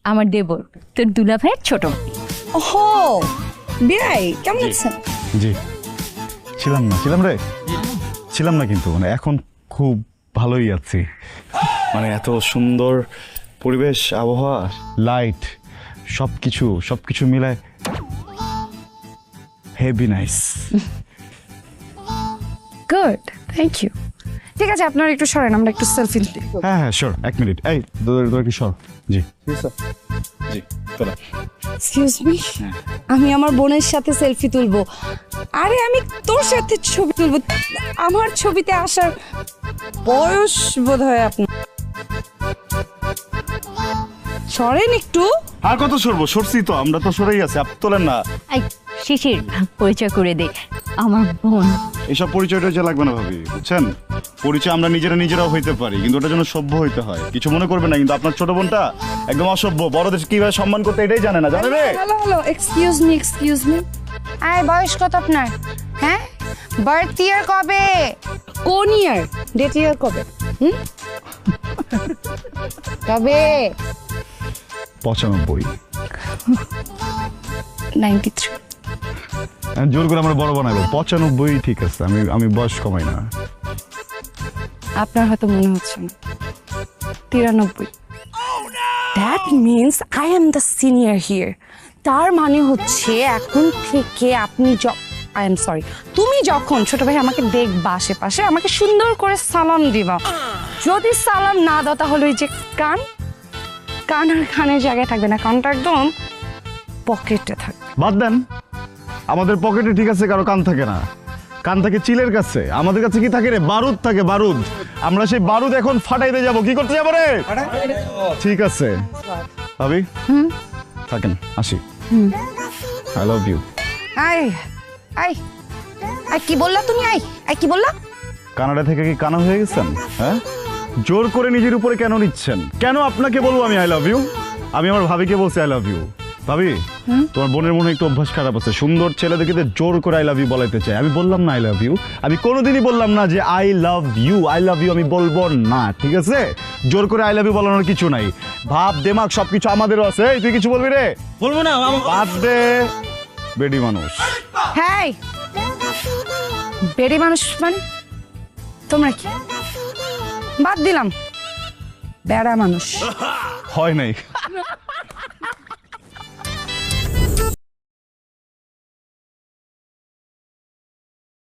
আমার দেবর, তোর দুলা ভাইয়ের ছোট। ওহো বিয়াই, কেমন আছেন? জি ছিলাম না কিন্তু মানে এখন খুব ভালোই আছি। মানে এত সুন্দর পরিবেশ, আবহাওয়া, লাইট, সবকিছু মিলায় heavy nice. Good, thank you. ঠিক আছে, আপনারা একটু সরেন, আমরা একটু সেলফি তুলি। হ্যাঁ শিওর, 1 মিনিট। এই তোর কি সর। জি জি চলো। এক্সকিউজ মি, আমি আমার বোনের সাথে সেলফি তুলবো। আরে আমি তোর সাথে ছবি তুলবো, আমার ছবিতে আসার বয়স বোধ হয় আপনার। সরেন একটু। আর কত সরবো? সরছি তো, আমরা তো সরেই আছি, আপ তোলেন না। এই শিশির, পরিচয় করে দে, আমার বোন। এইসব পরিচয়টা যে লাগবে না ভাবি, বুঝছেন? পরিচয় আমরা নিজেরাও হইতে পারি, কিন্তু ওটার জন্য সভ্য হইতে হয়। কিছু মনে করবে না, কিন্তু আপনার ছোট বোনটা একদম অসভ্য, বড়দের কিভাবে সম্মান করতে এটাই জানে না, জানে রে? Hello, excuse me. আয়, বয়স কত আপনার? হ্যাঁ, বার্থ ইয়ার কবে? কোন ইয়ার? ডেট ইয়ার কবে? কবে? 95। 93। জোর করে আমরা বড় বানাবো। 95 ঠিক আছে, আমি বয়স কমাই না। আপনার হয়তো মনে হচ্ছে না। 93। That means I am the senior here. তার মানে হচ্ছে এখন থেকে আপনি আই এম সরি, তুমি যখন ছোট ভাই আমাকে দেখবা আশেপাশে, আমাকে সুন্দর করে সালাম দিবা। যদি সালাম না দাও তাহলে ওই যে কান আর কানের জায়গায় থাকবে না, কানটা একদম পকেটে থাকবে। বাদ দেন, আমাদের পকেটে ঠিক আছে, কারো কান থাকে না। কান থাকে চিলের কাছে, আমাদের কাছে কি থাকে রে? বারুদ থাকে, বারুদ। আমরা সেই বারুদ এখন ফাটাইতে যাব। কি করতে যাবো রে? ঠিক আছে ভাবি, থাকেন, আসি। I love you. আই কি বললা তুমি? আই কি বললা? কানাডা থেকে কি কানা হয়ে গেছেন? হ্যাঁ, জোর করে নিজের উপরে কেন নিচ্ছেন? কেন আপনাকে বলবো আমি আই লাভ ইউ? আমি আমার ভাবিকে বলছি আই লাভ ইউ। ভাবি, তোমার বোনের মনে একটু অভ্যাস খারাপ আছে, সুন্দর ছেলে দেখে জোর করে আই লাভ ইউ বলাইতে চাই। আমি বললাম না আই লাভ ইউ, আমি কোনোদিনই বললাম না যে আই লাভ ইউ আমি বলবো না, ঠিক আছে? জোর করে আই লাভ ইউ বলানোর কিছু নাই। ভাব দেমাগ সবকিছু আমাদেরও আছে। এই, তুই কিছু বলবি রে? বলবো না। বাদ দে, বেডি মানুষ। হ্যাঁ, বেড়ে মানুষ মানে তোমরা কি? বাদ দিলাম, বেড়া মানুষ। হয় নাই,